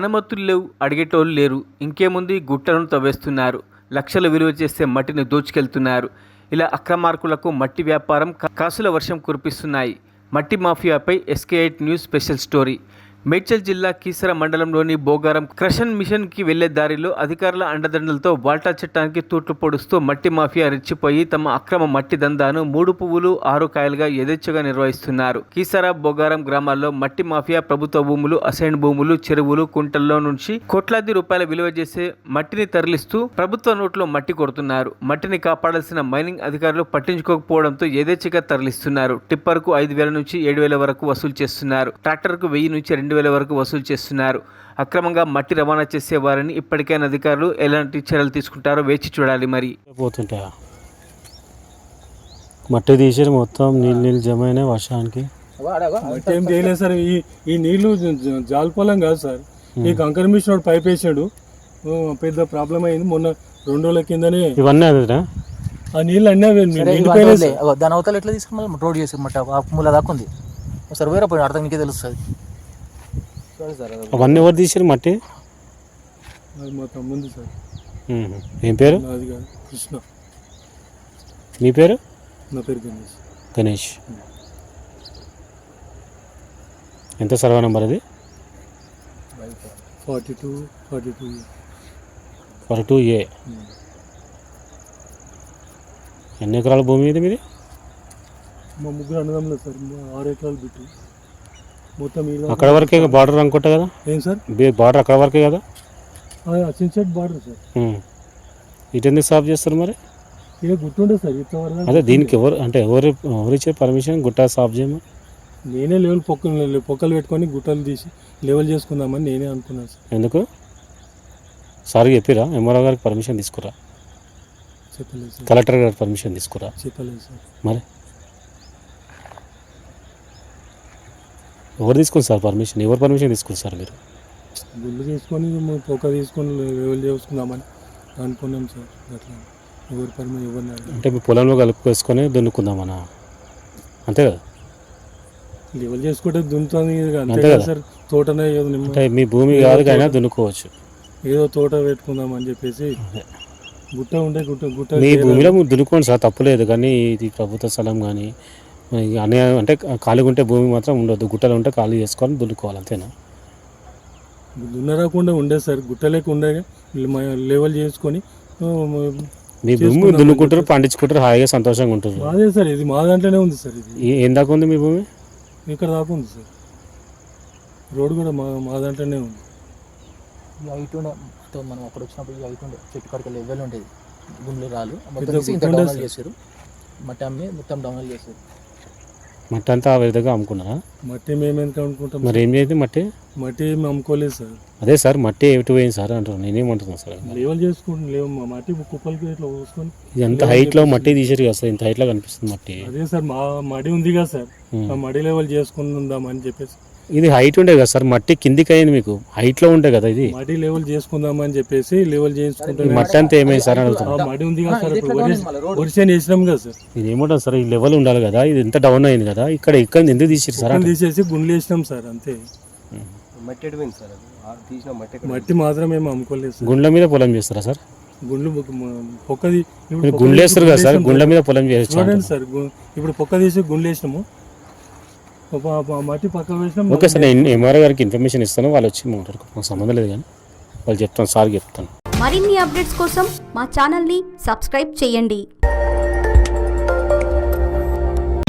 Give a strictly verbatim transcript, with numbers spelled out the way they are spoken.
అనుమతులు లేవు, అడిగేటోళ్ళు లేరు. ఇంకేముంది, గుట్టలను తవ్వేస్తున్నారు. లక్షలు విలువ చేసే మట్టిని దోచుకెళ్తున్నారు. ఇలా అక్రమార్కులకు మట్టి వ్యాపారం కాసుల వర్షం కురిపిస్తున్నాయి. మట్టి మాఫియాపై SK eight news special story. Medchal జిల్లా కీసర మండలంలోని బోగారం క్రషన్ మిషన్కి వెళ్లే దారిలో అధికారుల అండదండలతో వాల్టా చట్టానికి తూట్లు పొడుస్తూ మట్టి మాఫియా రెచ్చిపోయి తమ అక్రమ మట్టి దందాను మూడు పువ్వులు ఆరు కాయలుగా యథేచ్ఛగా నిర్వహిస్తున్నారు. కీసర బోగారం గ్రామాల్లో మట్టి మాఫియా ప్రభుత్వ భూములు, అసైన్ భూములు, చెరువులు, కుంటల్లో నుంచి కోట్లాది రూపాయల విలువ చేసే మట్టిని తరలిస్తూ ప్రభుత్వ నోట్లో మట్టి కొడుతున్నారు. మట్టిని కాపాడాల్సిన మైనింగ్ అధికారులు పట్టించుకోకపోవడంతో యథేచ్ఛగా తరలిస్తున్నారు. టిప్పర్కు ఐదు వేల నుంచి ఏడు వేల వరకు వసూలు చేస్తున్నారు. ట్రాక్టర్కు వెయ్యి నుంచి రెండు వేల వరకు వసూలు చేస్తున్నారు. అక్రమంగా మట్టి రవాణా చేసే వారిని ఇప్పటికైనా అధికారులు ఎలాంటి చర్యలు తీసుకుంటారో వేచి చూడాలి. మరి పోతుంటా మట్టి తీసి మొత్తం నీళ్ళు నీళ్ళు జమ అయినాయి వర్షానికి. మట్టి ఏం చేయలేదు సార్. ఈ ఈ నీళ్లు జాలపొలం కాదు సార్. ఈ కంకర మిషన్ పైప్ వేసాడు, పెద్ద ప్రాబ్లం అయింది. మొన్న రెండు రోజుల కిందనే ఇవన్నీ అదే ఆ నీళ్ళు అన్నీ దాని అవతల ఎట్లా తీసుకుని రోడ్ చేసి మట్టి మూల దాకా ఉంది. ఒకసారి వేరే పోయి అర్థం నీకే తెలుస్తుంది. అవన్నీ ఎవరు తీసారు మట్టి? మా తమ్ముంది సార్. ఏం పేరు? అది కాదు, కృష్ణ. మీ పేరు? నా పేరు గణేష్. గణేష్. ఎంత సర్వే నెంబర్ అది? Forty two forty two forty two A. ఎన్ని ఎకరాల భూమి ఇది మీది? మా ముగ్గురు అన్నదమ్ములు సార్. ఆరు ఎకరాలు బిట్టు మొత్తం. అక్కడ వరకే బార్డర్ అనుకుంటా కదా? ఏం సార్ బార్డర్ అక్కడ వరకే కదా? చిన్సెట్ బార్డర్ సార్. ఇటు ఎందుకు సాఫ్ చేస్తారు మరి? ఇక గుర్తుండే సార్ ఇట్లా. అదే దీనికి ఎవరు అంటే ఎవరు ఎవరు ఇచ్చే పర్మిషన్ గుట్ట సాఫ్ చేయమని? నేనే లెవెల్ పొక్కలు పొక్కలు పెట్టుకొని గుట్టలు తీసి లెవెల్ చేసుకుందామని నేనే అనుకున్నాను సార్. ఎందుకు సార్ చెప్పిరా? ఎంఆర్ఓ గారికి పర్మిషన్ తీసుకురా? చెప్పలేదు సార్. కలెక్టర్ గారికి పర్మిషన్ తీసుకురా? చెప్పలేదు సార్. మరి ఎవరు తీసుకుని సార్ పర్మిషన్? ఎవరు పర్మిషన్ తీసుకుని సార్ మీరు? గుళ్ళు తీసుకొని పొక్క తీసుకొని లెవెల్ చేసుకుందామని అనుకున్నాం సార్. అట్లా ఎవరు పర్మిషన్ ఎవరిని అంటే మీ పొలంలో కలుపుకేసుకొని దున్నుకుందామనా? అంతే కదా? లెవెల్ చేసుకుంటే దున్నుతుంది అంతే కదా సార్. తోటనే అంటే మీ భూమి కాదు కానీ దున్నుకోవచ్చు. ఏదో తోట పెట్టుకుందామని చెప్పేసి గుట్ట ఉండే గుట్ట గుట్ట మీ భూమిలో దున్నుకోండి సార్, తప్పులేదు. కానీ ఇది ప్రభుత్వ స్థలం కానీ అనే అంటే ఖాళీగా ఉంటే భూమి మాత్రం ఉండొద్దు. గుట్టలు ఉంటే ఖాళీ చేసుకొని దున్నుకోవాలి, అంతేనా? దున్నరాకుండా ఉండే సార్. గుట్టలేక ఉండే లెవెల్ చేసుకొని మీ భూమి దున్నుకుంటారు, పండించుకుంటారు, హాయిగా సంతోషంగా ఉంటారు. అదే సార్, ఇది మా దాంట్లోనే ఉంది సార్. ఇది ఏం దాకా ఉంది మీ భూమి? ఇక్కడ దాకా ఉంది సార్. రోడ్ కూడా మా మా దాంట్లోనే ఉంది. హైట్ ఉండే మనం అక్కడ వచ్చినప్పుడు హైట్ ఉండే చెట్టు కడికి లెవెల్ ఉండేది. గుండెలు రాలు మొత్తం చేశారు. మట్టి అమ్మి మొత్తం డౌన్ చేశారు. మట్టి అంతా ఆ విధంగా అమ్ముకున్నారా? మట్టి మేము ఎంత అనుకుంటాం. మరి ఏం చేయండి మట్టి? మట్టి ఏమి అమ్ముకోలేదు సార్. అదే సార్ మట్టి ఎటు పోయింది సార్ అంటారు. నేనేమంటున్నాను సార్, లెవెల్ చేసుకుంటాం. లేవు మట్టి కుప్పలకి ఇట్లా పోసుకొని ఎంత హైట్లో మట్టి తీసారు కదా సార్, ఇంత హైట్లో కనిపిస్తుంది మట్టి. అదే సార్ మా మడి ఉంది కదా సార్, ఆ మడి లెవెల్ చేసుకుందాం అని చెప్పేసి. ఇది హైట్ ఉండే కదా సార్, మట్టి కిందికి అయింది మీకు, హైట్లో ఉండే కదా ఇది. మడి లెవెల్ చేసుకుందామని చెప్పేసి లెవెల్ చేసుకుంటాం. మట్టి అంతా ఏమైంది సార్ అడుగుతాం. మడి ఉంది కదా సార్, ఒరిసేన్ వేసినాం కదా సార్. ఇది ఏమంటారు సార్, ఈ లెవెల్ ఉండాలి కదా, ఇది ఎంత డౌన్ అయింది కదా, ఇక్కడ ఇక్కడ ఎందుకు తీసారు సార్? తీసేసి గుండ్లు వేసినాం సార్, అంతే. మట్టి మాత్రం ఏమి అమ్ముకోలేదు సార్. గుండ్ల మీద పొలం చేస్తారా సార్? గుండ్లు పొక్కది గుండ్లు వేస్తారు కదా సార్, గుండ్ల మీద పొలం చేస్తారు చూడండి సార్. ఇప్పుడు పొక్క తీసి గుండ్లు వేసినాము, మట్టి పక్క వేసినాం. ఓకే సార్, నేను ఎంఆర్ఓ గారికి ఇన్ఫర్మేషన్ ఇస్తాను, వాళ్ళు వచ్చి మాట్లాడుకో, నాకు సంబంధం లేదు కానీ వాళ్ళు చెప్తాను, సార్ చెప్తాను. మరిన్ని అప్డేట్స్ కోసం మా ఛానల్ని సబ్స్క్రైబ్ చేయండి.